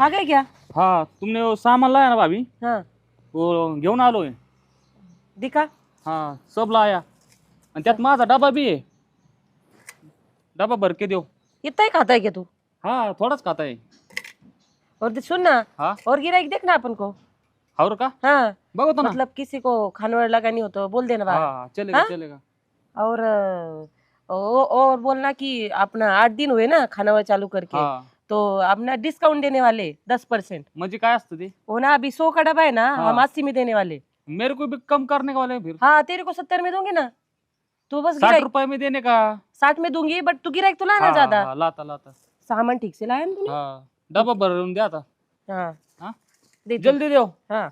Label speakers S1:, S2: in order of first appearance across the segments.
S1: आ गए क्या?
S2: हाँ तुमने वो सामान लाया ना भाभी,
S1: हाँ
S2: वो घेऊन आलोय.
S1: दिखा.
S2: हाँ सब लाया आणि त्यात माझा डबा बी आहे. डबा भर के देऊ.
S1: इतना ही खाता है क्या तू?
S2: हाँ थोडाच खाता है.
S1: और सुन ना,
S2: हाँ
S1: और गिराईक देखना अपन को.
S2: और का
S1: हाँ
S2: बघतो ना.
S1: मतलब किसी को खानवड़ लगानी हो तो बोल देना बाहर.
S2: हाँ चलेगा
S1: हाँ?
S2: चलेगा.
S1: और और बोलना कि अपना 8 दिन हुए ना खानावळ चालू करके,
S2: हाँ
S1: तो अपना डिस्काउंट देने वाले 10%.
S2: म्हणजे काय असतं ते.
S1: वो ना अभी 100 का डब्बा है ना,
S2: हाँ.
S1: हम 80 में देने वाले.
S2: मेरे को भी कम करने का वाले हैं फिर.
S1: हाँ तेरे को 70 में दूंगी ना. तू बस
S2: 60 रुपए में देने का.
S1: 60 में दूंगी, बट तू गिराईक तो लाना
S2: हाँ
S1: ज्यादा.
S2: हाँ लाता लाता.
S1: सामान ठीक से लाया ना तूने.
S2: हाँ डबा भरून द्या आता.
S1: हाँ
S2: हाँ
S1: दे दे.
S2: जल्दी देव.
S1: हाँ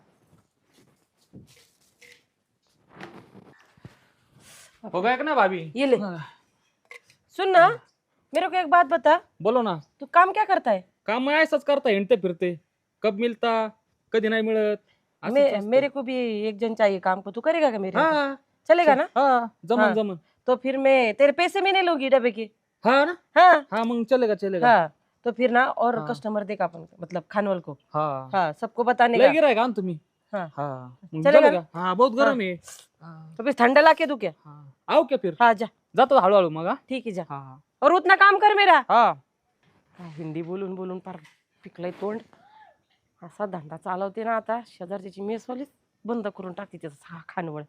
S2: हो गया ना भाभी.
S1: ये ले. सुन ना, मेरे को एक बात बता,
S2: बोलो ना.
S1: तू काम क्या करता है?
S2: काम मैं ऐसाच करता हिंडते फिरते. कब मिलता कधी नाही मिळत. असंच असतं.
S1: मेरे को भी एक जन चाहिए काम को. तू करेगा क्या मेरे?
S2: हाँ
S1: चलेगा ना?
S2: हाँ जमन
S1: हाँ.
S2: जमन.
S1: तो फिर मैं तेरे पैसे में नहीं लूंगी डब्बे के.
S2: हाँ ना.
S1: हाँ
S2: हाँ मग चलेगा चलेगा.
S1: हाँ. तो फिर ना और
S2: हाँ.
S1: कस्टमर देखा अपन, मतलब खानवल को.
S2: हाँ
S1: हाँ सबको बताने
S2: लय
S1: का.
S2: गिरायक आण तुम्ही.
S1: हाँ
S2: हाँ मग
S1: चलेगा
S2: चलेगा. हाँ बहुत गरम है. हाँ.
S1: तो फिर ठंडा ला के दूं क्या?
S2: हाँ आओ क्या फिर.
S1: हाँ जा.
S2: जातो हळूहळू मग.
S1: ठीक है जा.
S2: हाँ
S1: और उतना काम कर मेरा.
S2: हाँ
S1: हिंदी बोलून बोलून फार पिकलंय तोंड. असा धंदा चालवते ना आता, शेजारची मेसवालीच बंद करून टाकते त्याचा खानवळ.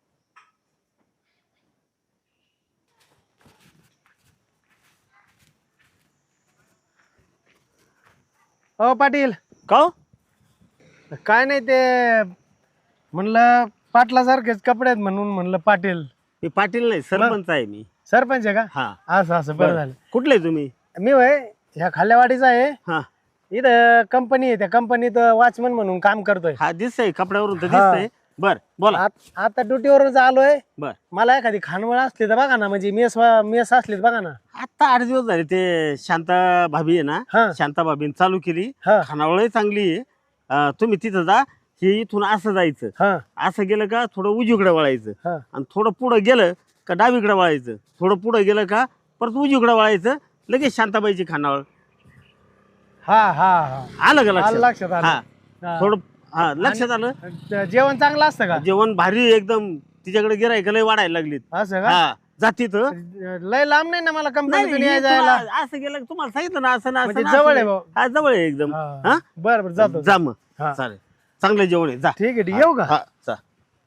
S3: हो पाटील,
S4: का हो?
S3: काय नाही ते म्हणलं पाटलासारखेच कपडे आहेत म्हणून म्हणलं पाटील.
S4: मी पाटील नाही सरपंच आहे मी.
S3: सरपंच आहे का?
S4: हा
S3: असं असं बरं झालं.
S4: कुठले तुम्ही?
S3: मी होय ह्या खाल्यावाडीचा आहे.
S4: हा
S3: इथं कंपनी आहे, त्या कंपनीत वॉचमन म्हणून काम करतोय.
S4: हा दिसतंय कपड्यावरून तर
S3: हा.
S4: दिसतंय. बर बोला.
S3: आता ड्युटीवरून आलोय.
S4: बर
S3: मला एखादी खानवळ असली तर बघा ना, म्हणजे मेस असली तर बघा ना.
S4: आता 8 दिवस झाले ते शांता भाभी आहे ना,
S3: हा.
S4: शांता भाभीने चालू केली.
S3: हा
S4: खानावळही चांगली आहे. तुम्ही तिथं जा. हे इथून असं जायचं,
S3: हा
S4: असं गेलं का थोडं उजवीकडे वळायचं
S3: हा
S4: आणि थोडं पुढं गेलं का डावीकडे वळायचं, थोडं पुढं गेलं का परत उजवीकडे वळायचं, लगेच शांताबाईची खानावळ.
S3: हा हा हा
S4: आलं का
S3: आलं
S4: लक्षात?
S3: लक्षात आलं.
S4: हा
S3: हा.
S4: थोडं हा लक्षात आलं.
S3: जेवण चांगलं असतं का?
S4: जेवण भारी एकदम. तिच्याकडे गिरायक लय वाढायला लागलीत.
S3: असं का?
S4: हा जाती तर
S3: लय लांब नाही ना मला कंपनीतून
S4: नाही,
S3: यायला
S4: तुम्हाला
S3: जायला.
S4: असं गेलं की तुम्हाला सांगितलं ना, असं ना असं
S3: म्हणजे
S4: ना,
S3: जवळ
S4: असं
S3: आहे
S4: नाही.
S3: भाऊ.
S4: हा जवळ आहे एकदम.
S3: हा.
S4: हा
S3: बरं बरं जातो.
S4: जा मग.
S3: हा.
S4: चालेल चांगलं जेवण आहे. जा.
S3: ठीक आहे ठीक आहे. येऊ का?
S4: हा जा.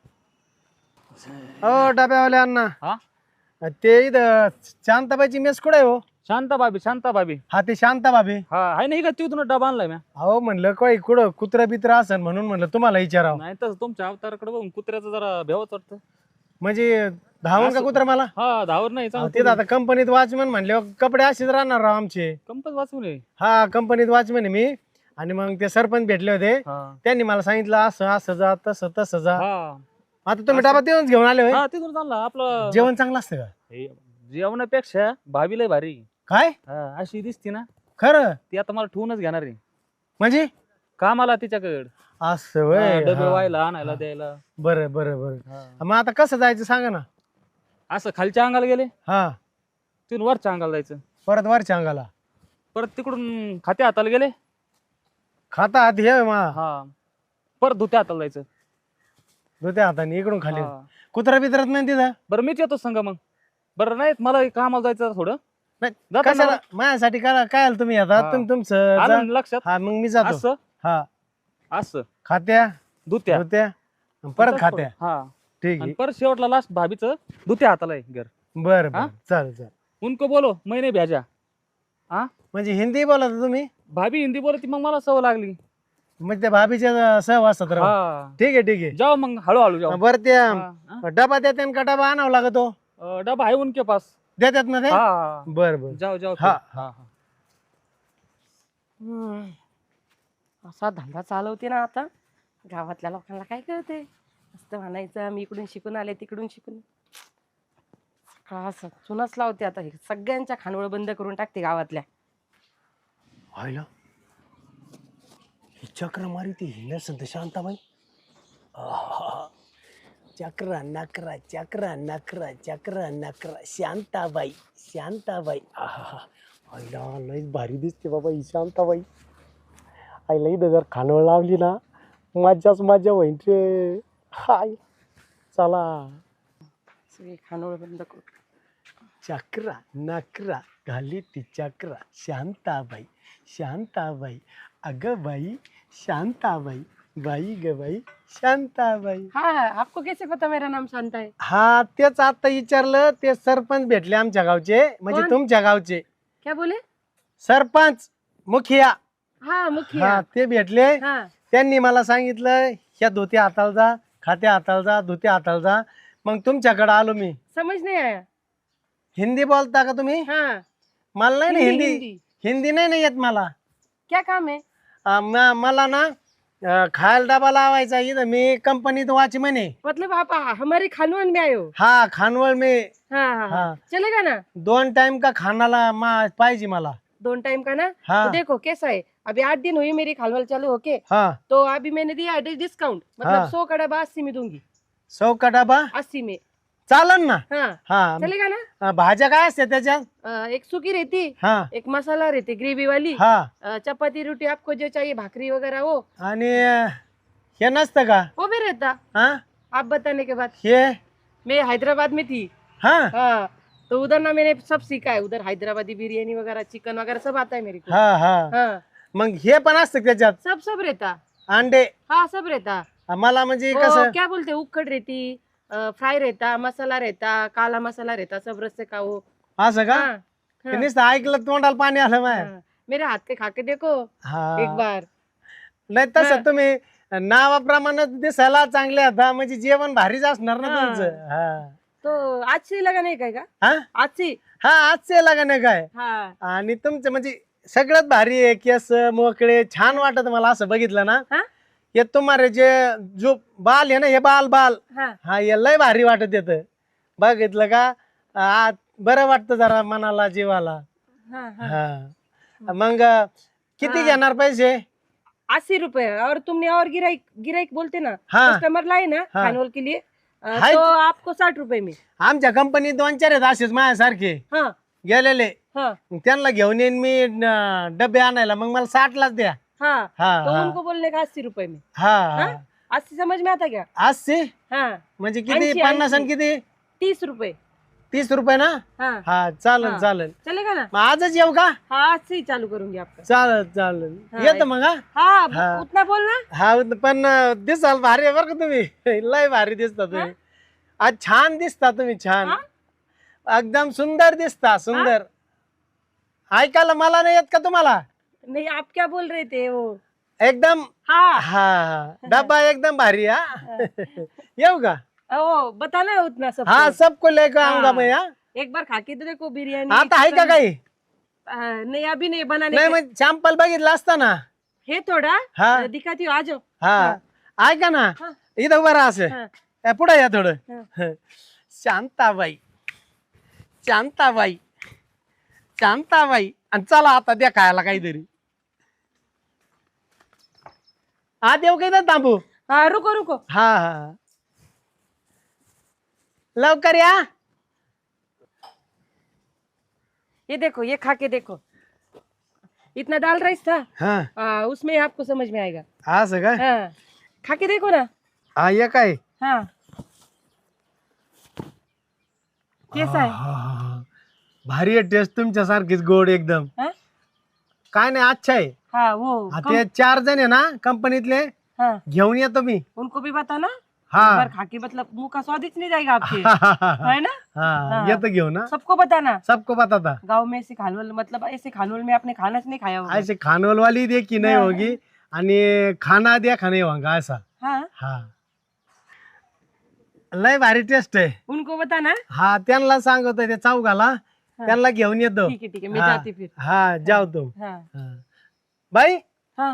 S3: हो डब्यावाले अण्णा,
S2: हाँ
S3: ते इथं शांताबाईची मेस कुठे आहे हो?
S2: शांता भाभी शांता भाभी.
S3: हा ते शांता भाभी.
S2: हा आहे नाही का तिथून डबा आणलाय म्या.
S3: हो म्हणलं काही कुठं कुत्रा बित्रा असेल म्हणून म्हणलं तुम्हाला विचारावं.
S2: नाही तर तुमच्या अवताराकडे बघून कुत्र्याचं जरा भेवच वाटतं.
S3: म्हणजे धावून का
S2: असं-
S3: कुत्रा मला?
S2: हा धावर नाही
S3: अहो, तिथं आता कंपनीत वॉचमन म्हणले कपडे असेच राहणार राव आमचे.
S2: कंपस वाचून आहे.
S3: हा कंपनीत वॉचमन आहे मी. आणि मग ते सरपंच भेटले होते,
S2: हा
S3: त्यांनी मला सांगितलं असं असं जा तसं तसं जा.
S2: हा
S3: आता तुम्ही डबा देऊनच घेऊन आले होय?
S2: हा तिथून चालला आपलं.
S3: जेवण चांगलं असतं का?
S2: हे, जेवणापेक्षा भाभी लय भारी.
S3: काय
S2: हा अशी दिसती ना,
S3: खरं?
S2: ती आता मला ठेवूनच घेणार आहे
S3: म्हणजे
S2: कामाला तिच्याकडे.
S3: असं होय.
S2: डबे
S3: हा.
S2: व्हायला आणायला द्यायला.
S3: बरं बरं बरं.
S2: हा.
S3: मग आता कसं जायचं सांगा ना.
S2: असं खालच्या अंगाला गेले,
S3: हा
S2: तिथून वरच्या अंगाला जायचं,
S3: परत वरच्या अंगाला
S2: परत तिकडून खात्या हाताला गेले.
S3: खाता हात हे मा
S2: हा परत धुत्या हाताला जायचं.
S3: धुत्या हाताने इकडून खाली.
S2: हा.
S3: कुत्रा बित्रात नाही तिथं?
S2: बरं मीच येतो संग मग. बरं नाही मला कामाला जायचं थोडं.
S3: नाही,
S2: जातो
S3: कशाला
S2: ना.
S3: माझ्यासाठी काय काय आलं तुम्ही आता?
S2: हा.
S3: तुम्ही तुमचं जा.
S2: आलं ना लक्षात.
S3: हा मग मी जातो.
S2: असं
S3: हा
S2: असं
S3: खात्या
S2: धुत्या
S3: धुत्या आणि परत खात्या.
S2: हा
S3: ठीक
S2: आणि
S3: आहे.
S2: परत शेवटला लास्ट भाभीचं धुत्या हाताला आहे घर.
S3: बरं
S2: हा?
S3: बरं चालेल चालेल.
S2: उनको बोलो मैंने भेजा. हा
S3: म्हणजे हिंदी बोलत तुम्ही?
S2: भाभी हिंदी बोलती मग मला सवय लागली.
S3: म्हणजे त्या भाभीच्या सहवासात राहू.
S2: हा
S3: ठीक आहे ठीक आहे.
S2: जाओ मग हळूहळू जाओ.
S3: बरं त्या
S2: हा, हा.
S3: डबा देते का डबा आणावं लागतो?
S2: डबा आहे उनके पास.
S3: देतात ना ते?
S2: हा
S3: बरं बरं.
S2: जाओ जाओ.
S3: हा,
S2: फिर. हा
S1: असा धंदा चालवते ना आता, गावातल्या लोकांना काय कळते. असं म्हणायचं मी इकडून शिकून आले तिकडून शिकून. सकाळ चुनाच लावते आता. हे सगळ्यांच्या खानवळ बंद करून टाकते गावातल्या.
S3: व्हायला ही चक्र मारी ती नसेल तर शांताबाई. चक्र नकरा चक्र नकरा चक्र नकरा शांताबाई शांताबाई. व्हायला लयच भारी दिसते बाबा ही शांताबाई. आईला इथं जर खानवळ लावली ना मज्जाच मज्जा होईन रे. हाय चला.
S1: सगळी खानोळ बंद करू.
S3: चक्रा नकरा घाली ती चक्रा. शांताबाई शांताबाई अगं बाई शांताबाई बाई ग बाई शांताबाई.
S1: हाँ आपको कैसे पता मेरा नाम शांता है?
S3: हा तेच आता विचारलं. ते सरपंच भेटले आमच्या गावचे म्हणजे
S1: कोण?
S3: तुमच्या गावचे
S1: क्या बोले?
S3: सरपंच मुखिया.
S1: हाँ मुखिया.
S3: हा ते भेटले.
S1: हाँ
S3: त्यांनी मला सांगितलं ह्या धोत्या हाताला जा खात्या हाताला जा धोत्या हाताला जा. मग तुमच्याकडे आलो मी.
S1: समझ नहीं आया.
S3: हिंदी बोलता का तुम्ही?
S1: हाँ
S3: मला नाही ना
S1: हिंदी,
S3: हिंदी
S1: हिंदी.
S3: हिंदी नाही ना येत मला.
S1: क्या काम है?
S3: मला ना खायला डबा लावायचा इथं. मी कंपनीत वॉचमन आहे.
S1: मतलब आप हमारे खानवन में आए हो?
S3: हा खानवळ में.
S1: हाँ हाँ हाँ
S3: हाँ.
S1: चलेगा ना?
S3: 2 टाइम का खानाला पाहिजे मला.
S1: 2 टाइम का ना?
S3: हाँ.
S1: तो देखो कैसा है, अभी 8 दिन हुई मेरी खानवल चालू होके,
S3: हा
S1: तो अभी मैंने दिया है डिस्काउंट, मतलब
S3: हाँ.
S1: 100 का डब्बा 80 में दूंगी.
S3: 100 का डबा
S1: 80 में.
S3: चालन ना.
S1: हाँ
S3: हा
S1: चलेगा ना?
S3: भाज्या काय असते त्याच्यात?
S1: एक सूखी रहती,
S3: हा
S1: एक मसाला रहती ग्रेवी वाली,
S3: हा
S1: चपाती रोटी आपको जो चाहिए, भाकरी वगैरह वो
S3: आणि हे नसतं का?
S1: वो भी रहता.
S3: हा
S1: आप बताने के बाद.
S3: हे
S1: मैं हैदराबाद में थी.
S3: हा
S1: हाँ तो उधर ना मैंने सब सीखा है, उधर हैदराबादी बिरयानी वगैरह चिकन वगैरह सब आता है मेरे को.
S3: हा हा
S1: हाँ
S3: मग हे पण असतं त्याच्यात
S1: सब सब रहता.
S3: अंडे.
S1: हाँ सब रहता.
S3: मला म्हणजे
S1: वो
S3: कसं
S1: क्या बोलते हैं, उखड़ रहती, फ्राई रहता, मसाला रहता, काला मसाला रहता, सब रस्ते का वो.
S3: असं का?
S1: हाँ,
S3: ते
S1: हाँ,
S3: नुसतं ऐकलं तोंडाला पाणी आलं माय.
S1: हाँ. मेरे हाथ के खा के देखो
S3: हा
S1: एक बार.
S3: नाही तसं
S1: हा.
S3: तुम्ही नावाप्रमाणे दिसायला चांगले आता म्हणजे जेवण भारीच असणार ना
S1: हा.
S3: तुमचं. हा
S1: तो आज से लगा नहीं काय का?
S3: हा
S1: आज से.
S3: हा आजचे लग्न आहे काय?
S1: हाँ
S3: आणि तुमचं म्हणजे सगळ्यात भारी आहे. केस मोकळे छान वाटत मला असं बघितलं ना.
S1: हा?
S3: हे तुम्हाला जे जो बाल आहे ना हे बाल
S1: हाँ
S3: हा हे लय भारी वाटत येत बघितलं का. बरं वाटतं जरा मनाला जीवाला.
S1: हाँ हाँ.
S3: हा मग किती
S1: हा.
S3: घेणार पैसे?
S1: 80 रुपए. और तुमने और गिराइक गिराइक बोलते ना,
S3: हाँ.
S1: कस्टमर लाए ना
S3: हाँ.
S1: खानवल के लिए,
S3: हाय.
S1: तो आपको 60 रुपए में.
S3: आमच्या कंपनीत 2-4 आहेत असेच माझ्यासारखे
S1: हाँ
S3: गेलेले.
S1: हाँ
S3: मग त्यांना घेऊन येईन मी डबे आणायला. मग मला 60लाच द्या.
S1: हाँ.
S3: हा
S1: तो
S3: हा
S1: उनको बोलने का 80 रुपए में.
S3: हा
S1: हाँ? 80 समझ में आता क्या?
S3: 80
S1: हाँ
S3: म्हणजे किती?
S1: 80.
S3: 50 आणि किती?
S1: 30 रुपए.
S3: 30 रुपये ना.
S1: हाँ
S3: हा चालेल
S1: हा.
S3: चालेल.
S1: चलेगा ना?
S3: मग आजच येऊ का?
S1: हाँ आज से ही चालू करूंगी आपका.
S3: चालेल चालेल
S1: हा.
S3: येतो मग. हा
S1: हाँ
S3: हाँ.
S1: उतना बोलना.
S3: हा पण दिसाल भारी आहे बरं का तुम्ही. लय भारी दिसता तुम्ही. आज छान दिसता तुम्ही. छान
S1: हा?
S3: एकदम सुंदर दिसता. सुंदर. ऐकायला मला नाही येत का तुम्हाला?
S1: नहीं आप क्या बोल रहे थे वो.
S3: एकदम.
S1: हाँ
S3: हा डब्बा एकदम भारी. हा येऊ का?
S1: वो बताना है उतना सब.
S3: हा सबको लेकर आऊंगा मैं. हा
S1: एक बार खा के तो देखो बिरयानी.
S3: आता आहे का
S1: चिकन.
S3: काही?
S1: नहीं अभी नहीं बनाने
S3: नाही
S1: के-
S3: मग सॅम्पल बघितलं असता ना.
S1: है थोड़ा.
S3: हा.
S1: दिखाती हूँ, आ जाओ.
S3: हा ऐका ना
S1: हा.
S3: इथं उभं राहा असं.
S1: हाँ.
S3: पुढे या थोडं.
S1: हा.
S3: शांताबाई शांताबाई शांताबाई. आणि चला आता द्या खायला काहीतरी. आत येऊ काही थांबू.
S1: हाँ रुको रुको.
S3: हा हा लवकर या.
S1: ये देखो, ये खा के देखो. इतना दाल राइस था.
S3: हा
S1: उसमें आपको समझ में आएगा.
S3: असं काय?
S1: हाँ खा के देखो ना.
S3: हा ये काय?
S1: हाँ कैसा है?
S3: हा. भारी आहे टेस्ट तुमच्यासारखीच गोड एकदम.
S1: हाँ
S3: काय नाही अच्छा आहे.
S1: हाँ वो
S3: हा, ते 4 जण आहे ना कंपनीतले.
S1: हाँ
S3: घेऊन येतो मी.
S1: उनको भी बताना.
S3: हा
S1: एक बार खा के मतलब मुंह का स्वाद ही नहीं जाएगा आपके.
S3: हा
S1: है ना? हाँ.
S3: येतो घेऊन. हा
S1: सबको बताना.
S3: सबको बताता.
S1: गांव में ऐसे खानवल, मतलब ऐसे खानवल में आपने खाना नहीं खाया होगा.
S3: ऐसे खानवल वाली दे की नाही
S1: हाँ.
S3: होगी. आणि खाना द्या खाणे होगा ऐसा.
S1: हाँ
S3: हा लय भारी टेस्ट आहे.
S1: उनको बताना.
S3: हा त्यांना सांगतो ते चौघाला. त्यांना घेऊन येतो.
S1: ठीक है मैं
S3: हाँ.
S1: जाती फिर.
S3: हा जाऊ तो.
S1: हाँ
S3: हा. बाई
S1: हाँ.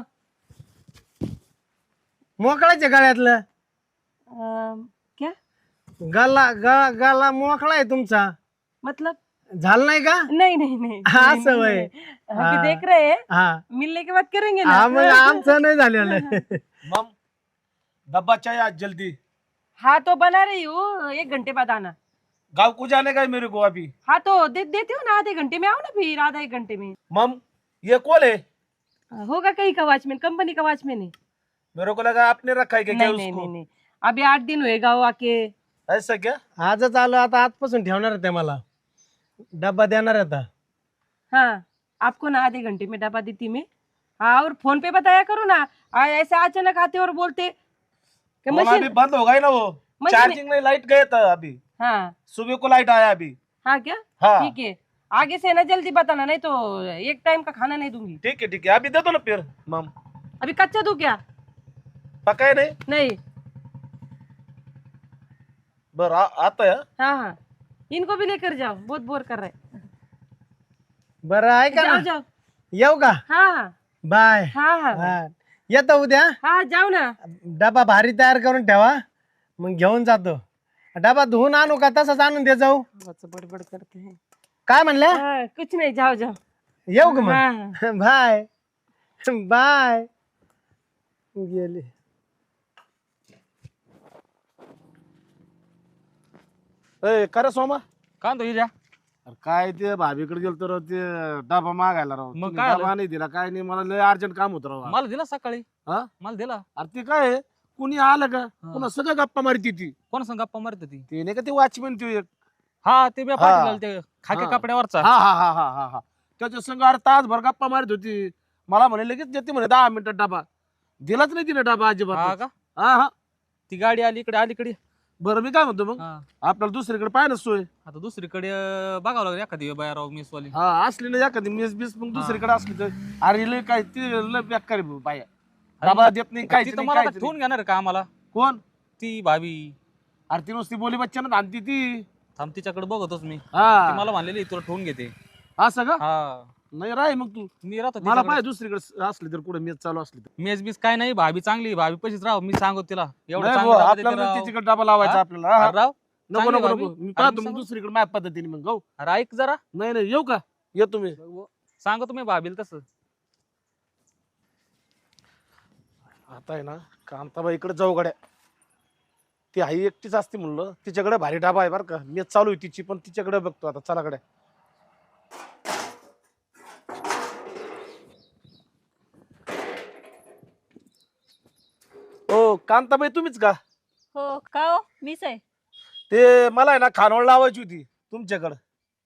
S3: मोकळाच्या गळ्यातलं
S1: क्या
S3: गला मोकळा आहे तुमचा.
S1: मतलब?
S3: झालं नाही का?
S1: नहीं नहीं नहीं.
S3: हाँ,
S1: नहीं,
S3: सब
S1: नहीं,
S3: है.
S1: नहीं. अभी
S3: हाँ.
S1: देख रहे हैं,
S3: हा
S1: मिलने के बाद करेंगे
S3: हा मग
S1: ना.
S3: आमचं नाही झालेलं.
S4: मम डब्बा चाहिए आज जल्दी.
S1: हाँ तो बना रही हूँ, 1 घंटे बाद आना.
S4: गाँव को जाने का है मेरे को अभी.
S1: हाँ तो देती हूँ ना, आधे घंटे में आओ ना, फिर आधा 1 घंटे में.
S4: मम ये कौन है?
S1: होगा कहीं का वॉचमैन, कंपनी का वॉचमैन है।
S3: मेरे को लगा आपने रखा है क्या
S1: नहीं नहीं नहीं नहीं, अभी 8 दिन हुए गाँव आके।
S3: ऐसा क्या? आजच आलो, आता आजपासून ठेवणार आहे ते मला, डब्बा देणार आहे आता.
S1: हाँ, आपको ना आधे घंटे में डब्बा देती मैं। हाँ, और फोन पे बताया करो ना, ऐसे अचानक आते और बोलते कि मशीन।
S3: बंद हो गई ना वो,
S1: मशीन-
S3: चार्जिंग में लाइट गया था अभी,
S1: हाँ
S3: सुबह को लाइट आया अभी.
S1: हाँ क्या?
S3: हाँ
S1: ठीक है, आगे से ना जल्दी बताना, नहीं तो एक टाइम का खाना नहीं दूंगी।
S3: ठीक है, अभी दे दो ना फिर मम.
S1: अभी कच्चा दूं क्या?
S3: पका है नहीं?
S1: नहीं।
S3: बरं आता है.
S1: हाँ हाँ, इनको भी लेकर जाओ, बहुत बोर कर रहे हैं।
S3: बरं आहे का
S1: जाओ
S3: ना,
S1: जाओ।
S3: येऊ का?
S1: हाँ हाँ
S3: बाय.
S1: हाँ हाँ
S3: येतो उद्या.
S1: हाँ, जाओ ना।
S3: डबा भारी तयार करून ठेवा, मग घेऊन जातो. डबा धुवून आणू का तसंच आणून दे जाऊ?
S1: बहुत बड़बड़ करते हैं।
S3: काय म्हणल्या?
S1: हाँ, कुछ नहीं, जाओ जाओ।
S3: येऊ का मग?
S1: हाँ
S3: बाय बाय. गेली. खरं सोमा,
S2: का म्हणतो हिऱ्या?
S3: अरे काय ते भाभीकडे गेलो तर ते डबा मागायला राव,
S2: मग
S3: तुम्ही
S2: काय
S3: डबा
S2: आलं?
S3: नाही दिला, काय नाही, मला लय अर्जंट काम होतं राव.
S2: मला दिला सकाळी.
S3: हा?
S2: मला दिला.
S3: अरे ते काय आहे, कुणी आलं का पुन्हा सगळं गप्पा मारती ती.
S2: कोण संग गप्पा मारत ती?
S3: ते नाही का ते वॉचमॅन ते एक.
S2: हा, ते मी पाठवलेलं ते खाकी
S3: हा.
S2: कपड्यावरचा.
S3: हा हा हा हा हा हा त्याच्या संग अरे तासभर गप्पा मारत होती. मला म्हणे लगेच देते म्हणे 10 मिनिटात डबा. दिलाच नाही तिने डबा
S2: हा
S3: अजिबात.
S2: का?
S3: हा हा.
S2: ती गाडी आली इकडे अलीकडे.
S3: बरं मी काय म्हणतो मग,
S2: हा.
S3: आपल्याला दुसरीकडे पाय ना सोय.
S2: आता दुसरीकडे बघावं लागेल एखादी बाहेर मेसवाली.
S3: हा असली ना एखादी मेस बीस मग दुसरीकडे असली तर. अरे लय काय ते लय बेकार आहे बाया, डबा देत नाही काय
S2: ती तर मला आता ठेवून घेणार आहे का आम्हाला?
S3: कोण?
S2: ती भाभी.
S3: अरे ती नुसती बोली बच्चन आणती ती.
S2: थांब, तिच्याकडे बघतोच मी. ती
S3: हा
S2: मला म्हणलेली तुला ठेवून घेते.
S3: असं का?
S2: हा,
S3: नाही राय मग तू,
S2: मी राहतो
S3: मला
S2: तिच्याकडे.
S3: पाय दुसरीकडे असली तर, कुठे मेस चालू असली तर.
S2: मेस बीस काय नाही, भाभी चांगली, भाभी पशीच राव. मी सांगतो तिला एवढं
S3: नाही
S2: चांगलं
S3: बुवा,
S2: डबा देते
S3: आपल्याला
S2: राव.
S3: तिच्याकडे डबा लावायचा
S2: हा?
S3: आपल्याला. हा, हा.
S2: अरे राव,
S3: नको
S2: चांगली
S3: नको
S2: भाभी.
S3: नको, मी
S2: अरे
S3: पाहतो
S2: मी
S3: मग दुसरीकडे माझ्या पद्धतीने मग जाऊ.
S2: अरे ऐक जरा,
S3: नाही नाही येऊ का? येतो मी.
S2: सांगतो तुम्ही भाभीला तसं.
S3: आता आहे ना कांताबाईकडे जाऊ गड्या, ती आई एकटीच असते म्हणलं, तिच्याकडे भारी डाबा आहे बरं का, मेच चालू आहे तिची, पण तिच्याकडे बघतो आता. चला गड्या. ओ कांताबाई तुम्हीच का?
S5: हो का हो, मीच आहे.
S3: ते मला आहे ना खानवळ लावायची होती तुमच्याकडे.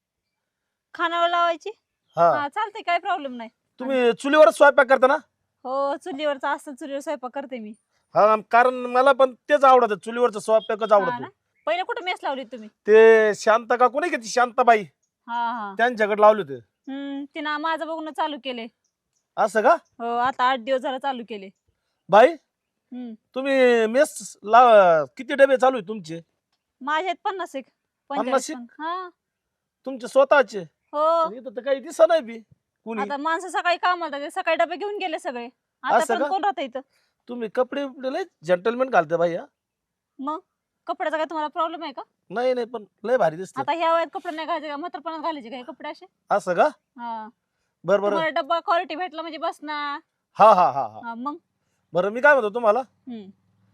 S5: खानावर लावायची?
S3: हा,
S5: हा चालतंय, काय प्रॉब्लेम नाही.
S3: तुम्ही चुलीवरच स्वयंपाक करता ना?
S5: हो, चुलीवरचा असतं, चुलीवर स्वयंपाक करते मी.
S3: हा, कारण मला पण तेच आवडतं, चुलीवरचं स्वयंपाकच
S5: हा
S3: आवडतो.
S5: ना? पहिले कुठे मेस लावली तुम्ही?
S3: ते शांता का कोणी का ती शांताबाई,
S5: हा हा.
S3: त्यांच्याकडे लावले होते.
S5: तिनं माझं बघून चालू केले.
S3: असं का?
S5: हो, आता 8 दिवस झाला चालू केले.
S3: बाई
S5: हम्म.
S3: तुम्ही मेस लाव, किती डबे चालू आहे तुमचे?
S5: माझे आहेत 50 एक
S3: 50
S5: 45. हा.
S3: तुमचे स्वतःचे?
S5: हो,
S3: इथं तर काही दिसत नाही बी कुणी.
S5: आता माणसं सकाळी कामाला जाते, सकाळी डबे घेऊन गेले सगळे. आता
S3: असं
S5: पण
S3: का?
S5: कोण राहतं इथं?
S3: तुम्ही कपडे बिपडे लय जेंटलमॅन घालते बाई. हा?
S5: मग कपड्याचा काय तुम्हाला प्रॉब्लेम आहे का?
S3: नाही नाही, पण लय भारी दिसत.
S5: आता ह्या वयात कपडे नाही घालायचे का? म्हातारपणात घालायचे का हे कपडे असे?
S3: असं का?
S5: हा.
S3: बरं बरं.
S5: तुम्हाला डब्बा क्वालिटी भेटला म्हणजे बस ना.
S3: हा हा हा हा.
S5: हा, मग.
S3: बरं मी काय म्हणतो तुम्हाला,
S5: हम्म.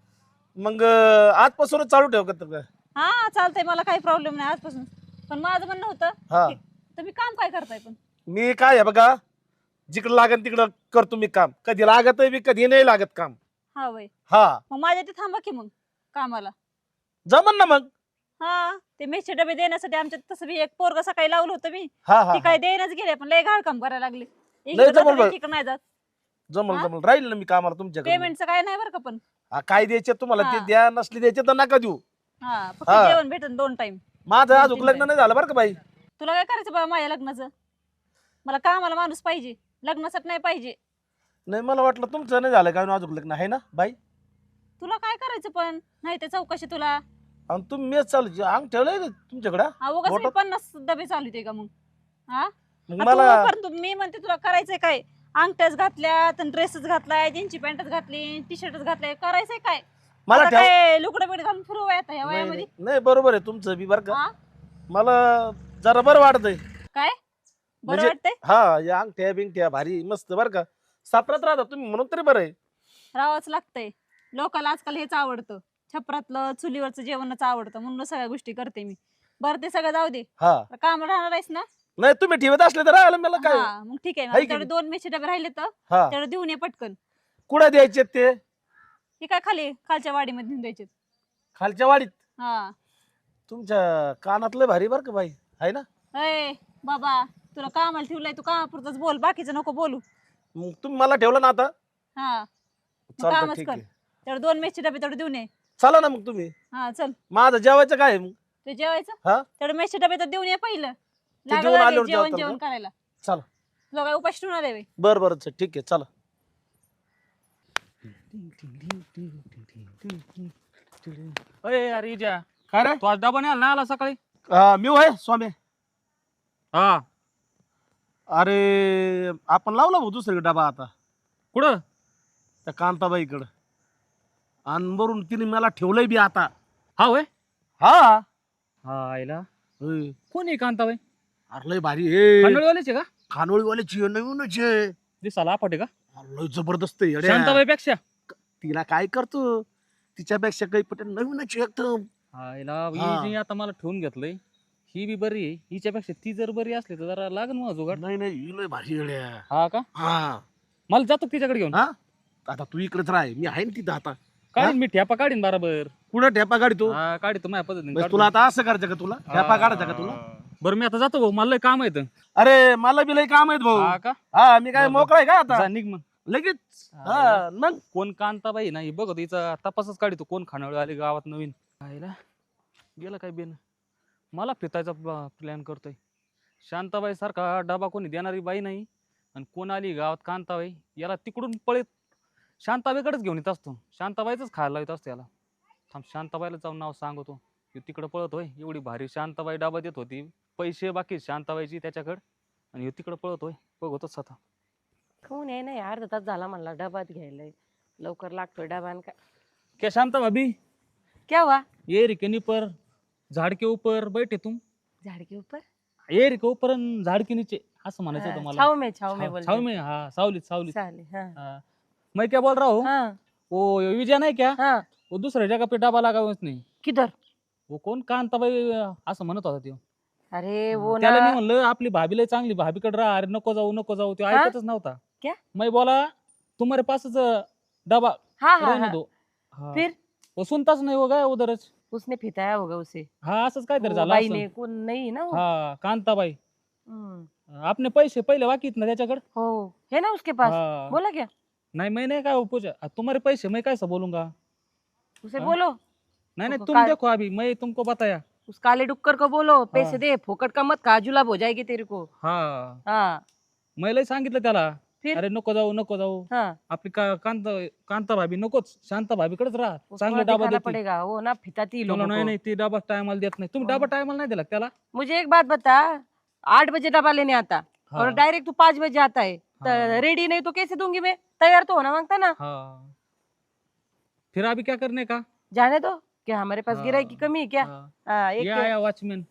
S3: मग आजपासूनच चालू ठेव का तर?
S5: हा चालतंय, मला काही प्रॉब्लेम नाही आजपासून. पण माझं म्हणणं होतं
S3: हा,
S5: की तुम्ही काम काय करताय पण?
S3: मी काय आहे बघा, जिकडं लागत तिकडं करतो मी काम. कधी लागत बी, कधी नाही लागत काम.
S5: हा वय,
S3: हा,
S5: मग माझ्या इथे थांबा की मग कामाला.
S3: जमन ना मग.
S5: हा, ते मेसचे डबे देण्यासाठी आमच्या तसं बी एक पोरग सकाळी लावलं होतं मी.
S3: हा हा
S5: ती
S3: हा.
S5: काय देणंच गेले, पण लय घाण काम करायला लागले.
S3: लय जबरदस्त.
S5: इकडे नाही जात.
S3: जमल
S5: हा?
S3: जमल, राहील ना मी कामाला तुमच्याकडे.
S5: पेमेंटचं काय नाही बरं का पण.
S3: हा, काय द्यायचे तुम्हाला ते
S5: हा.
S3: द्या, नसली द्यायचे तर नका देऊ.
S5: हा, फक्त
S3: हा.
S5: जेवण भेटन 2 टाइम.
S3: माझं
S5: दोन
S3: अजून
S5: तीन
S3: लग्न
S5: time.
S3: नाही झालं बरं का बाई.
S5: तुला काय करायचं बाबा माझ्या लग्नाचं? मला कामाला माणूस पाहिजे, लग्नासाठी नाही पाहिजे.
S3: नाही, मला वाटलं तुमचं नाही झालं काय अजून लग्न, आहे ना बाई?
S5: तुला काय करायचं पण नाही ते चौकशी तुला.
S3: आणि तुम्ही मेस चालू अंग ठेवलंय का तुमच्याकडं?
S5: हा, उगाच मी
S3: बोटात?
S5: 50 डबे चालू का मग? हा,
S3: मग
S5: आ,
S3: मला
S5: तू परंतु मी म्हणते तुला करायचंय काय? अंगठ्याच घातल्यात, ड्रेसच घातलाय, जीन्सची पॅन्टच घातली, टी शर्टच घातलाय, करायचंय काय?
S3: मला
S5: आता
S3: ठेव.
S5: काय लुकडे बिडे घालून फिरू आता ह्या
S3: नाही,
S5: वयामध्ये?
S3: नाही नाही, बरोबर आहे तुमचं बी बरं का.
S5: हा?
S3: मला जरा बरं वाटतंय.
S5: काय बरं
S3: म्हणजे-
S5: वाटतंय?
S3: हा, या अंगठ्या बिंगठ्या भारी मस्त बरं का. सापरात राहता तुम्ही म्हणून तरी बरं आहे.
S5: राहावंच लागतंय. लोकांना आजकाल हेच आवडतं, छपरातलं चुलीवरचं जेवणच आवडतं, म्हणून सगळ्या गोष्टी करते मी. बरं ते सगळं जाऊ दे.
S3: हा,
S5: काम राहणार आहेस ना?
S3: नाही तुम्ही ठेवत असले तर राहिलं मला काय
S5: हा मग ठीक आहे
S3: आहे की
S5: तेवढे
S3: नाही?
S5: 2 मेथीचे डबे राहिले तर
S3: हा
S5: तेवढे देऊन ये पटकन.
S3: कुठे द्यायचे ते?
S5: हे काय खालच्या वाडीमध्ये नेऊन द्यायचे.
S3: खालच्या वाडीत.
S5: हा
S3: तुमच्या कानातलं भारी बर का बाई, आहे ना?
S5: अय बाबा तुला कामाला ठेवलंय तू कामापुरतच बोल बाकीचं नको बोलू.
S3: मग तुम्ही मला ठेवलं ना आता.
S5: हा मग
S3: चालतं
S5: कामच
S3: ठीक
S5: कर.
S3: आहे.
S5: तेवढे 2 मेथीचे डबे तेवढे देऊन ये.
S3: चला ना मग तुम्ही.
S5: हा चल
S3: माझं जेवायचं काय आहे मग?
S5: ते जेवायचं
S3: हा
S5: तेवढे मेथीचे डबे तर देऊन ये पहिलं.
S3: ते
S5: लागलं
S3: देऊन
S5: लगेच
S3: आल्यावर
S5: जेवण
S3: जेवताल
S5: जेवण
S3: का?
S5: करायला.
S3: चला.
S5: तुला काय उपाशी ठेवणार आहे बे?
S3: बर बर ठीक आहे चला.
S2: अरे अरे इजा,
S3: काय रे?
S2: तू आज डबा नाही आला ना आला सकाळी?
S3: मी होय स्वामी.
S2: हा
S3: अरे आपण लावला भाऊ दुसरीकडे डबा आता
S2: कुठं?
S3: त्या कांताबाईकडं. आणि वरून तिने मला ठेवलंय बी आता.
S2: हा होय.
S3: हा
S2: हा आईला
S3: होय.
S2: कोण आहे कांताबाई?
S3: अरे लय भारी आहे.
S2: खानोळीवाल्याचे का?
S3: खानोळीवाल्याची नवीनच आहे.
S2: दिसाला आपटे का?
S3: अरे लय जबरदस्त आहे येड्या.
S2: शांताबाई पेक्षा?
S3: तिला काय करतो तिच्यापेक्षा काही पटेल नवीनच आहे एकदम.
S2: आईला
S3: हा.
S2: हिने आता मला ठेवून घेतलंय. ही बी बरी आहे, हिच्यापेक्षा ती जर बरी असली तर जरा लागन मग जुगाड.
S3: नाही नाही ही लय भारी येड्या.
S2: हा का?
S3: हा
S2: मला जातो तिच्याकडे घेऊन.
S3: हा आता तू इकडेच राह, मी आहे ना तिथं आता.
S2: काढीन मी ठेपा काढीन बरोबर.
S3: कुठं ठेपा काढतो?
S2: हा काढतो माझ्या पद्धतीने
S3: म्हणजे
S2: काढतो.
S3: तुला आता असं करायचं का? तुला ठेपा काढायचा का तुला?
S2: हा. बरं मी आता जातो भाऊ, मला लय काम आहे इथं.
S3: अरे मला बी लय काम आहेत भाऊ.
S2: हा का?
S3: हा मी काय
S2: बरं, बरं.
S3: मोकळा आहे का आता
S2: जा निघ मग.
S3: लगेच?
S2: हा,
S3: हा मग
S2: कोण कांताबाई नाही बघ हिचा तपासच काढतो कोण खानावळ आली गावात नवीन. आईला गेला काय बेन. मला फितायचा प्लॅन करतोय. शांताबाई सारखा डबा कोणी देणारी बाई नाही आणि कोण आली गावात कांताबाई, याला तिकडून पळत शांताबाईकडेच घेऊन येत असतो. शांताबाईच खायला येत असतो याला. थांब शांताबाईला जाऊन नाव सांगतो. तिकडं पळतोय, एवढी भारी शांताबाई डबा देत होती, पैसे बाकी शांताबाईची त्याच्याकडे, आणि तिकडं पळतोय. बघतोच आता.
S1: कोण आहे नाही अर्धा तास झाला म्हणला डबात घ्यायला लवकर लागतोय डबा आणि काय
S2: क्या शांता भाभी
S1: क्या हुआ
S2: ये रे के ऊपर झाड के ऊपर बैठे तुम.
S1: झाड़ के ऊपर
S2: ये रे के ऊपर अन झाड के नीचे असं म्हणायचं होतं मला.
S1: छाव में बोलते
S2: छाव में हाँ सावलीत सावलीत.
S1: साले हाँ
S2: हाँ. मैं क्या बोल रहा हूँ,
S1: हाँ
S2: वो विजय नहीं क्या,
S1: हाँ
S2: वो दूसरे जगह पे डबा लगा हुआ उसने.
S1: किधर
S2: वो कोण कांताबाई असं म्हणत होता त्यो.
S1: अरे वो
S2: त्याला मी
S1: ना
S2: म्हणलं आपली भाभी लय चांगली, भाभीकडे राहा. अरे नको जाऊ नको जाऊ, तो
S1: हाँ?
S2: ऐकतच नव्हता.
S1: क्या?
S2: मैं बोला तुम्हारे पासच डबा
S1: हाँ हाँ
S2: रहने
S1: हाँ
S2: दो. हाँ.
S1: फिर
S2: वो सुनताच नाही, वो गया उधरच.
S1: उसने फिताया होगा उसे
S2: हा असंच काहीतरी
S1: वो
S2: झालं
S1: बाई
S2: असेल.
S1: ने कोण नाही ना वो
S2: हा कांताबाई.
S1: हम्म,
S2: आपने पैसे पहिले बाकीत ना त्याच्याकडे.
S1: हो है ना उसके पास
S2: हाँ.
S1: बोला क्या
S2: नहीं मैं नहीं कहा वो पूछा तुम्हारे पैसे मैं कैसे बोलूंगा.
S1: उसे
S2: हाँ?
S1: बोलो
S2: नहीं नहीं
S1: उसको
S2: तुम
S1: का-
S2: देखो अभी मैं तुमको बताया.
S1: उस काले डुक्कर को बोलो पैसे
S2: हाँ.
S1: दे फोकट का मत खा जुलाब हो जाएगी तेरे को
S2: हा
S1: हाँ
S2: मैं लय सांगितलं त्याला.
S1: फिर?
S2: अरे नको जाऊ नको जाऊ,
S1: हाँ
S2: आपली कांता भाभी नकोच, शांता भाभीकडेच राहा,
S1: उसको
S2: चांगले
S1: ना
S2: डबा
S1: दिखाना
S2: देते.
S1: पड़ेगा वो ना फिताती लोगों
S2: नाही
S1: को
S2: नाही ती डबा टायमाला देत नाही. तुम्ही
S1: हाँ.
S2: डबा टायमाला नाही दिला का त्याला.
S1: मुझे एक बात बता 8 बजे डबा लेने आता और
S2: हाँ.
S1: डायरेक्ट तू 5 बजे आता है
S2: हाँ.
S1: रेडी नहीं तो कैसे दूंगी मैं तैयार तो होना मांगता ना
S2: हाँ. फिर अभी क्या करने का.
S1: जाने दो क्या हमारे पास
S2: हाँ.
S1: गिराई की कमी है क्या
S2: हाँ.
S1: हाँ
S2: ये
S1: एक
S2: आया वॉचमैन.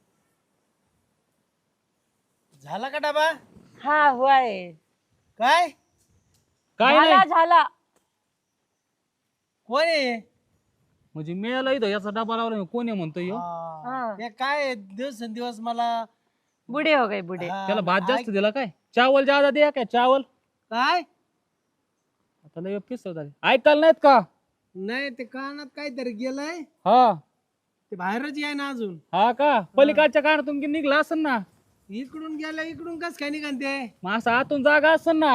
S4: झाला का डबा?
S1: हाँ हुआ है
S4: काय
S2: काय
S1: झाला
S2: नाही
S1: झाला
S4: कोण आहे?
S2: म्हणजे मिळाला इथं याचा डबा लावला कोण आहे म्हणतोय ह्यो?
S1: हाँ.
S4: हे काय दिवसेंदिवस मला
S1: बूढ़े हो गए बूढ़े
S4: हा,
S2: त्याला भात जास्त
S4: ऐक-
S2: दिला काय. चावल ज्यादा द्या काय चावल.
S4: काय
S2: आता लय पिस्त झाले. ऐकायला नाहीत का.
S4: नाही ते कानात काहीतरी गेलंय
S2: हा
S4: ते बाहेरच आहे ना अजून.
S2: हा का पलीकडच्या कानातून की निघला असेल ना.
S4: इकडून गेलं इकडून कस काय निघते?
S2: मग असं आतून जागा असेल ना.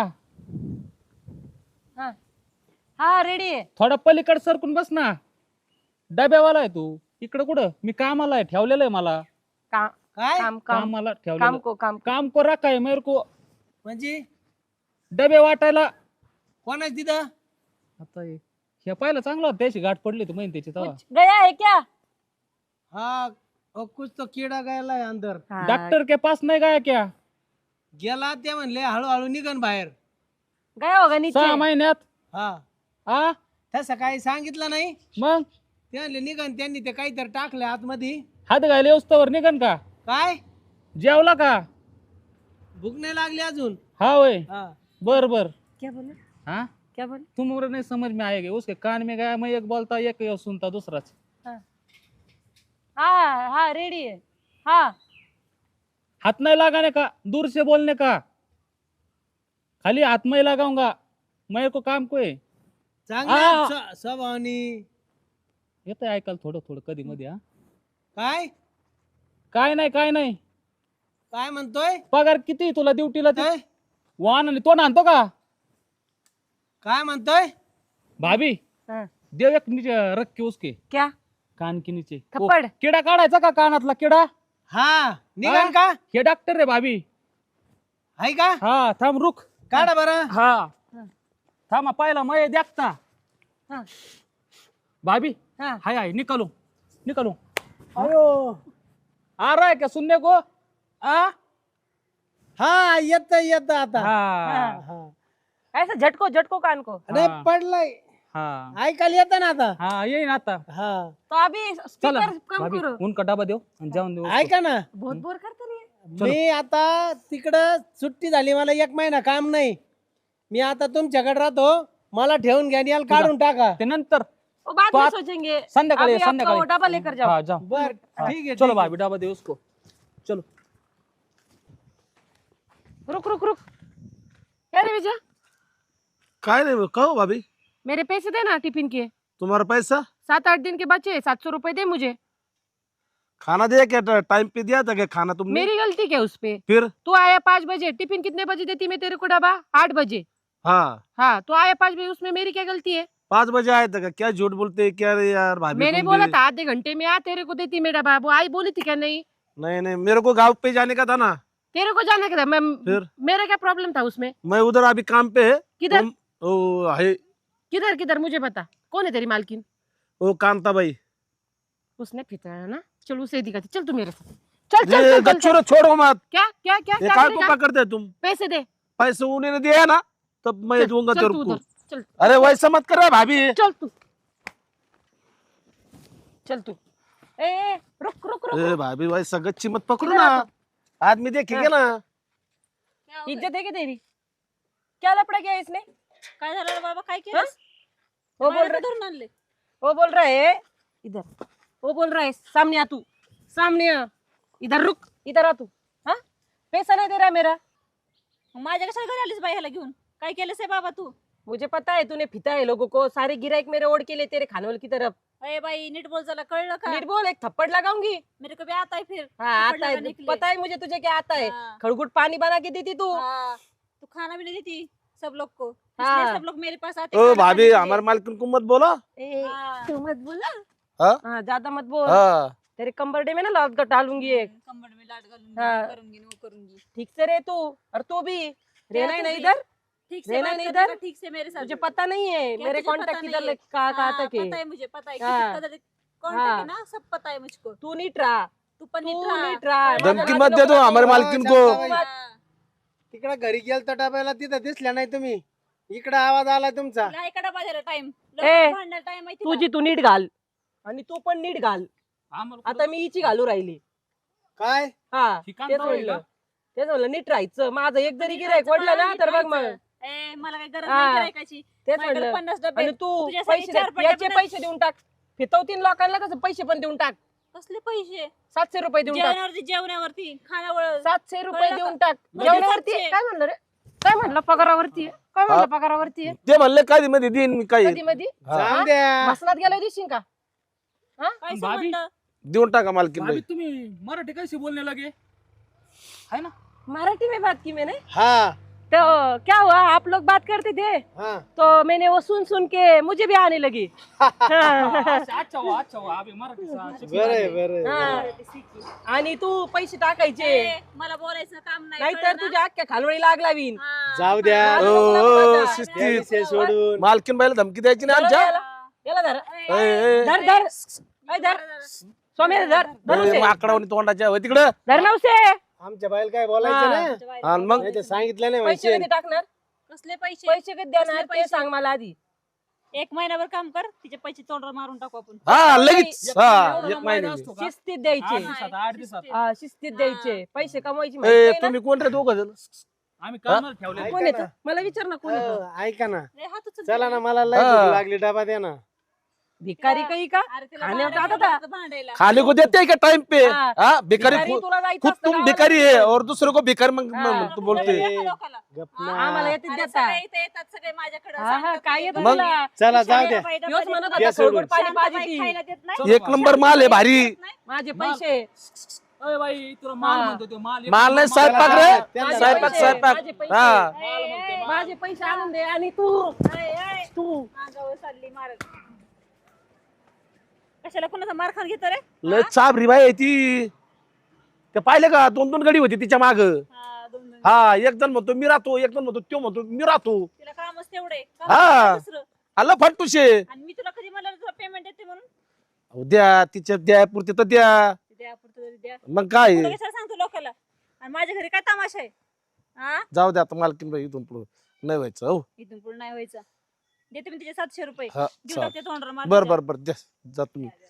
S1: हाँ हाँ रेडी है
S2: थोडा पलीकड सरकून बस ना. डब्यावाला आहे तू. इकडं कुठं मी कामाला आहे, ठेवलेलं आहे मला.
S1: काम
S4: काय
S1: काम काम
S2: कामाला
S1: काम
S2: ठेवलेलं.
S1: को काम
S2: काम को रखा है मेरे को
S4: म्हणजे
S2: डबे वाटायला.
S4: कोण आहे तिथं?
S2: आता हे पाहिलं चांगलं होतं, त्याची गाठ पडली तू माहिती त्याची तेव्हा.
S1: कुछ गया है क्या
S4: हा कुछ तो किडा गेलाय अंदर.
S1: हाँ,
S2: डॉक्टर के पास नहीं गया क्या.
S4: गेला ते म्हणले हळूहळू निघन बाहेर.
S1: गया होगा नीचे
S2: 6 महिन्यात.
S4: हा
S2: हा
S4: तसं काही सांगितलं नाही.
S2: मग
S4: ते म्हणले निघन, त्यांनी ते काहीतरी टाकलं आतमध्ये.
S2: हात घायला येऊस्तवर निघन का.
S4: काय
S2: जेवला का.
S4: भूक नाही लागली अजून.
S2: हा होय
S4: हा
S2: बर बर.
S1: क्या बोले
S2: हाँ
S1: क्या बोले
S2: तुम और नहीं समझ में आएगा. उसके कान में गया मैं एक बोलता एक सुनता दूसराच.
S1: हाँ हाँ हाँ रेडी है हाँ
S2: हाथ नहीं लगाने का, दूर से बोलने का, खाली हाथ में ही लगाऊंगा, मेरे को काम को आहे.
S6: चांगला स्वभावानी.
S2: येतंय ऐकायला थोडं थोडं कधी मध्ये. हा
S6: काय
S2: काय नाही.
S6: काय म्हणतोय?
S2: पगार किती तुला ड्युटीला ते?
S6: काय
S2: वाहन आणि तो आणतो का
S6: काय म्हणतोय?
S2: भाभी?
S1: हाँ।
S2: देव एक नीचे रख के उसके
S1: क्या
S2: कान के नीचे
S1: थप्पड़?
S2: वो किडा काढायचा का कानातला किडा?
S6: हा निघाल का?
S2: हे डॉक्टर रे भाभी.
S6: आहे का?
S2: हा थांब रुक.
S6: काढा बरं.
S2: हा थांबा पाहिला मय देखता.
S1: हाँ।
S2: भाभी
S1: हाँ।
S2: हाय निकालो निकालो.
S6: अयो
S2: आ रहा है क्या सुनने को?
S6: हा येत आता.
S2: हाँ
S6: हा.
S1: ऐसा झटको कान को।
S6: अरे
S2: हाँ.
S6: पडलाय.
S2: हाँ
S6: ऐकायला येतं ना आता.
S2: हाँ यही ना आता.
S6: हा
S1: तो अभी
S2: चला
S1: स्पीकर कम
S2: भाभी
S1: करो।
S2: उनका डबा देव आणि जाऊन देऊ.
S6: ऐका ना,
S1: बहुत बोर करते रहिए।
S2: चलो.
S6: मी आता तिकडं सुट्टी झाली, मला 1 महिना काम नाही. मी आता तुमच्याकडे राहतो, मला ठेवून घ्या आणि याला काढून टाका.
S2: ते नंतर
S1: वो बाद में
S2: बात-
S1: सोचेंगे।
S2: संध्याकाळी
S1: अभी आपका
S2: संध्याकाळी
S1: वो डब्बा लेकर जाओ।
S2: हाँ जाओ.
S6: बर
S2: हाँ,
S6: ठीक आहे.
S2: चलो
S6: ठीक आहे.
S2: भाभी डबा दे उसको. चलो.
S1: रुक रुक रुक। क्या रे विजय,
S3: काय नाही कहो भाभी,
S1: मेरे पैसे देना टिफिन के।
S3: तुम्हारा पैसा
S1: 7-8 दिन के बचे, 700 रुपए दे मुझे।
S3: खाना दिया क्या? टाइम पे दिया था क्या खाना तुमने?
S1: मेरी गलती क्या उस पे?
S3: फिर
S1: तू आया 5 बजे, टिफिन कितने बजे देती मैं तेरे को डब्बा? 8 बजे।
S3: हाँ
S1: हाँ, तो आया 5 बजे, उसमें मेरी क्या गलती है?
S3: 5 बजे आए थे क्या? झूठ बोलते हैं क्या रे यार भाभी?
S1: मैंने
S3: तुम
S1: बोला
S3: भी-
S1: था आधे घंटे में आ, तेरे को देती मैं डब्बा। वो आई बोली थी क्या? नहीं,
S3: नहीं नहीं, मेरे को गाँव पे जाने का था ना।
S1: तेरे को जाना क्या था?
S3: फिर?
S1: मेरा क्या प्रॉब्लम था उसमें?
S3: मैं उधर अभी काम पे है।
S1: किधर
S3: ओ है
S1: किधर किधर मुझे बता, कौन है तेरी मालकिन?
S3: वो कांता भाई।
S1: उसने फितराया ना, चल उसे दिखाती। चल तू मेरे साथ, चल चल,
S3: ये
S1: चल, चल,
S3: गच्छो छोड़ो मत।
S1: क्या क्या क्या
S3: ये
S1: क्या
S3: काय को
S1: करेगा?
S3: पकड़ते तुम?
S1: पैसे दे।
S3: पैसे उन्होंने दिया ना, तब मैं
S1: चल,
S3: दूंगा
S1: चल
S3: तेरे
S1: तू
S3: को।
S1: उधर, चल
S3: अरे वैसा मत कर भाभी।
S1: चल तू, चल तू। ए रुक रुक रुक,
S3: ए भाभी वैसा गच्ची मत पकड़ो ना, आदमी देखेगा ना।
S5: क्या हो
S1: इज्जत है क्या तेरी? क्या लपड़ा किया इसने?
S5: गं? काय झालं रे बाबा? काय
S1: हाँ?
S5: केलं?
S1: वो बोल रहा,
S5: धरून आणले.
S1: वो बोल रहा है इधर, वो बोल रहा है सामने आ तू, सामने आ, इधर रुक, इधर आ तू। हाँ, पैसा नहीं दे रहा है मेरा।
S5: मग माझ्या कशाला घरी आलीस बाई ह्याला घेऊन? काय केलंस रे बाबा तू?
S1: मुझे पता है तूने फिता है लोगों को, सारे गिराइक मेरे ओढ़ के लिए तेरे खाने वाले की तरफ।
S5: अरे बाई नीट बोल, जरा कळलं का?
S1: नीट बोल, एक थप्पड़ लगाऊंगी।
S5: मेरे को भी आता है फिर।
S1: हाँ
S5: थप्पड़
S1: आता है,
S5: लगाने के लिए।
S1: पता है मुझे तुझे क्या आता है।
S5: हाँ।
S1: खड़गुट पानी बना के देती तू।
S5: हाँ, तू खाना भी नहीं देती सब लोग को,
S1: हाँ।
S5: इसलिए सब लोग मेरे पास आते
S3: ओ
S5: खाना
S3: भाभी
S5: खाने के लिए।
S3: हमारे मालकिन को मत बोलो।
S1: ए,
S5: हाँ।
S1: तू मत बोला।
S3: हाँ?
S1: हाँ ज्यादा मत बोल,
S3: हाँ
S1: तेरे कंबरडे में ना लात का डालूंगी एक।
S5: कंबड़ में लाट घालूंगी,
S1: हाँ।
S5: करूंगी वो करूंगी।
S1: ठीक से रहे तू, और तू भी रहना ही
S5: तू
S1: नहीं
S5: भी।
S1: इधर।
S5: ठीक से
S1: रहना
S5: बात
S1: नहीं
S5: करने
S1: इधर।
S5: का, ठीक से मेरे साथ।
S1: तुझे पता नहीं है
S5: क्या
S1: मेरे
S5: तुझे पता
S1: कांटेक्ट
S5: नहीं
S1: किधर
S5: है?
S1: कहाँ
S5: हाँ,
S1: तक है।
S5: पता है मुझे, पता है
S1: हाँ।
S5: कॉन्टेक्ट
S1: हाँ।
S5: है ना, सब पता है मुझको।
S1: तू नीट रहा,
S5: तू पण
S1: तू
S5: नीट रहा।
S1: नीट रहा।
S3: धमकी
S1: माझ्या
S3: मत दे दो
S1: लोकांना
S3: हमारे
S1: बोल.
S3: मालकिन को।
S6: शांताबाई. तिकडे घरी गेलतो डब्याला, तिथं दिसल्या नाही तुम्ही. इकडे आवाज आला तुमचा.
S5: तिला एका डबा द्यायला टाइम,
S1: ए,
S5: भांडायला टाइम माहिती
S1: तुझी तू नीट घाल आणि तू पण नीट घाल.
S2: आम्हाला
S1: आता मी हिची घालू राहिली.
S6: काय
S1: हा
S2: ठिकाण
S1: तेच
S2: तर होईल
S1: म्हणलं,
S2: का?
S1: तेच म्हणलं नीट राहायचं. माझं एक जरी गिरायक वडलं ना तर बघ मग.
S5: ए मला काही गरज
S1: हा.
S5: नाही गिरायकाची.
S1: तेच
S5: माझ्याकडे
S1: म्हणलं.
S5: 50 डबे
S1: आणि
S5: आहेत.
S1: तू
S5: तुझ्यासाठी
S1: पैसे
S5: 4
S1: याचे
S5: डबे
S1: पैसे देऊन टाक. फितवतीन लोकांना कसं पैसे पण देऊन टाक.
S5: कसले पैसे?
S1: 700 रुपये देऊन टाक.
S5: जेवणावरती खाण्यावर
S1: 700 रुपये
S5: कळलं का?
S1: देऊन टाक.
S5: म्हणजे
S1: जेवणावरती
S5: 700.
S1: काय म्हणलं रे? काय म्हणलं पगारावरती आहे? काय म्हणलं पगारावरती आहे?
S3: ते म्हणले कधी मध्ये देईन मी काही
S1: कधी मधी
S6: जाऊन द्या.
S1: मसनात गेल्या दिवशी का?
S5: काय
S2: भाभी?
S5: संबंध?
S3: देऊन टाका मालकीन
S2: भाभी
S3: भाई.
S2: तुम्ही मराठी कैसे बोलने लगे है ना?
S1: मराठी में बात की मैंने.
S6: हा
S1: तो क्या हुआ, आप लोग बात करते थे
S6: हा
S1: तो मैंने वो सुन सुन के मुझे भी आने लगी. हाँ.
S2: अच्छा हुआ अभी मराठी
S6: बरं बरं.
S1: हा. आणि तू पैसे टाकायचे,
S5: ए, मला बोलायचं काम नाही,
S1: नाहीतर
S5: कळलं ना?
S1: तुझ्या अख्ख्या खालवळी लागला विन.
S5: हा.
S6: जाऊ द्या.
S1: हा.
S3: ओ
S6: त्या
S3: शिस्तीत
S6: विषय सोडून.
S3: मालकीन बाईला धमकी द्यायची नाही आमच्या.
S1: याला धर,
S5: ए,
S3: ए, ए,
S1: धर धर ऐ धर स्वामी, धर धर उसे.
S3: माकडावणी तोंडाच्या होय तिकडं.
S1: धर ना उसे.
S6: आमच्या बाईला काय बोलायचं
S1: हा.
S6: नाही.
S3: आणि मग
S6: नाही ते सांगितलं नाही
S1: पैसे
S6: माहिती.
S1: कधी टाकणार?
S5: कसले पैसे?
S1: पैसे कधी देणार
S5: कसले
S1: ते
S5: पैसे?
S1: सांग मला आधी.
S5: 1 महिनाभर काम कर, तिचे पैसे तोंडावर मारून टाकू आपण.
S3: हा लगेच हा
S2: एवढं
S3: एक महिने
S2: असतो का?
S1: शिस्तीत द्यायचे.
S2: 8 दिवसात
S1: हा, शिस्तीत द्यायचे. पैसे कमवायची
S3: ए
S1: माहिती आहे ना?
S3: तुम्ही कोण रे दोघ जण?
S2: आम्ही कामाला ठेवले.
S1: कोण येतं? मला विचार ना कोण येतं?
S6: ऐका ना,
S5: रे, हात उचल.
S6: चला ना, मला लय
S3: हा.
S6: भूक लागली, डबा द्या ना.
S1: भिकारी काही का
S5: अरे तिला
S1: खाण्यावर
S5: भांडायला
S1: जातात
S5: लागतं भांडायला.
S3: खाने को देते हैं क्या टाइम पे
S1: हा.
S3: हाँ भिखारी
S1: भिकारी तुला जायचं
S3: खुद
S1: असतं
S3: तुम
S1: गावाला
S3: भिखारी है
S1: जायचं.
S3: और दूसरों को भिखारी
S1: हा.
S3: तू बोलते
S5: तुला येतं लोकाला.
S3: गप
S5: हा.
S3: ना.
S1: आम्हाला येते
S5: अरे
S1: देता
S5: सगळे इथे येतात सगळे माझ्याकडे
S1: हा हा काय येतं
S3: मग?
S1: तुला
S6: चला जाऊ द्या
S1: योच म्हणत
S6: द्या
S1: होता
S6: सोडून.
S1: सोडून पाणी पाहिजे ती.
S5: खायला देत नाही.
S3: एक नंबर माल आहे भारी
S1: माझे पैसे
S2: अय बाई तुला माल
S1: हा.
S2: म्हणतो तो माल
S3: माल नाही
S6: चला,
S3: स्वयंपाक
S6: चला,
S3: रे
S6: चला.
S1: माझे
S3: स्वयंपाक
S1: पैसे,
S3: स्वयंपाक
S1: माझे पैसे.
S3: हा
S1: माझे पैसे आणून दे आणि तू तू
S5: अंगावर चालली मारत. कशाला कोणाचा मार खान घेतो रे?
S3: लय चाबरी बाई आहे ती ते पाहिले का 2-2 गडी होती तिच्या माग
S5: हा, दोन दोन.
S3: हा एक जण म्हणतो मी राहतो एक जण म्हणतो तो म्हणतो मी राहतो
S5: तिला कामच तेवढे
S3: हा.
S5: दुसरं.
S3: आलं फटुशे
S5: आणि मी तुला कधी म्हणलं तुला पेमेंट देते म्हणून
S3: अहो, द्या तिच्या द्या पुरते तर द्या
S5: द्या पुरतं तरी द्या.
S3: मग काय
S5: तुला कशाला सांगतो लोकांना? आणि माझ्या घरी काय तमाशा आहे? हा,
S3: जाऊ द्या आता मालकीन बाई इथून पुढे नाही व्हायचं हो
S5: इथून पुढे नाही व्हायचं. देते मी तिचे 700 रुपये
S3: हा
S5: देऊन टाकते तोंडावर मार
S3: बर
S5: तिच्या.
S3: बर बर द्या जा तुम्ही